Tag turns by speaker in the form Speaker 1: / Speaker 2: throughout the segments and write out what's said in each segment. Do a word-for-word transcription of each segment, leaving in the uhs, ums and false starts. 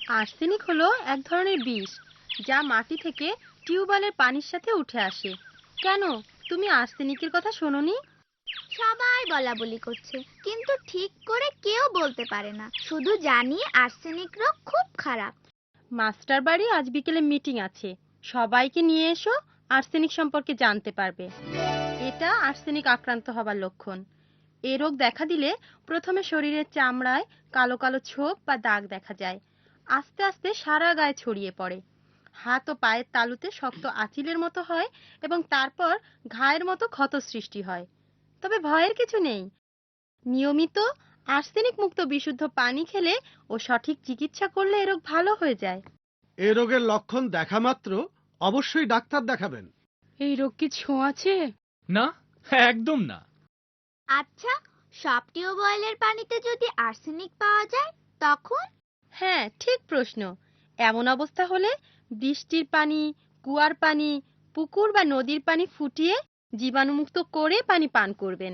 Speaker 1: Arsenic হলো এক ধরনের বিষ যা মাটি থেকে টিউবওয়েলের পানির সাথে উঠে আসে। কেন, তুমি আর্সেনিকের কথা শোনোনি?
Speaker 2: সবাই বলা বলি করছে, কিন্তু ঠিক করে কেউ বলতে পারে না। শুধু জানি আর্সেনিক রোগ খুব খারাপ।
Speaker 1: মাস্টার বাড়ি আজ বিকেলে মিটিং আছে, সবাইকে নিয়ে এসো, আর্সেনিক সম্পর্কে জানতে পারবে। এটা আর্সেনিক আক্রান্ত হবার লক্ষণ। এ রোগ দেখা দিলে প্রথমে শরীরের চামড়ায় কালো কালো ছোপ বা দাগ দেখা যায়, আস্তে আস্তে সারা গায়ে ছড়িয়ে পড়ে। হাত ও পায়ের তালুতে শক্ত আঁচিলের মতো হয় এবং তারপর ঘায়ের মতো ক্ষত সৃষ্টি হয়। তবে ভয়ের কিছু নেই, নিয়মিত আর্সেনিক মুক্ত বিশুদ্ধ পানি খেলে ও সঠিক চিকিৎসা করলে এ রোগ ভালো হয়ে যায়।
Speaker 3: এ রোগের লক্ষণ দেখা মাত্র অবশ্যই ডাক্তার দেখাবেন।
Speaker 4: এই রোগ কি ছোঁয়াচে?
Speaker 5: না, একদম না।
Speaker 2: আচ্ছা, সব টিউবওয়েলের পানিতে যদি আর্সেনিক পাওয়া যায় তখন?
Speaker 1: হ্যাঁ, ঠিক প্রশ্ন। এমন অবস্থা হলে বৃষ্টির পানি, কুয়ার পানি, পুকুর বা নদীর পানি ফুটিয়ে জীবাণুমুক্ত করে পানি পান করবেন।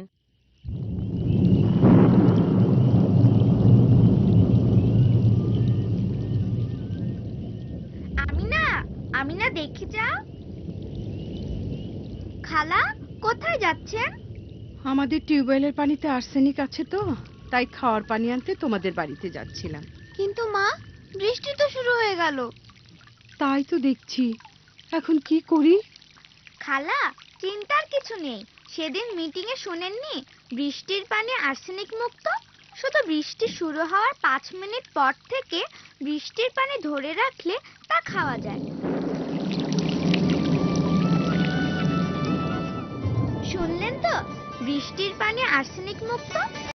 Speaker 2: আমিনা, আমিনা দেখে যাও। খালা, কোথায় যাচ্ছেন?
Speaker 4: আমাদের টিউবওয়েলের পানিতে আর্সেনিক আছে তো, তাই খাওয়ার পানি আনতে তোমাদের বাড়িতে যাচ্ছিলাম।
Speaker 2: কিন্তু মা, বৃষ্টি তো শুরু হয়ে গেল।
Speaker 4: তাই তো দেখছি, এখন কি করি?
Speaker 2: খালা, চিন্তার কিছু নেই। সেদিন মিটিং এ শুনেননি বৃষ্টির পানি আর্সেনিক মুক্ত? শুধু বৃষ্টি শুরু হওয়ার পাঁচ মিনিট পর থেকে বৃষ্টির পানি ধরে রাখলে তা খাওয়া যায়। শুনলেন তো, বৃষ্টির পানি আর্সেনিক মুক্ত।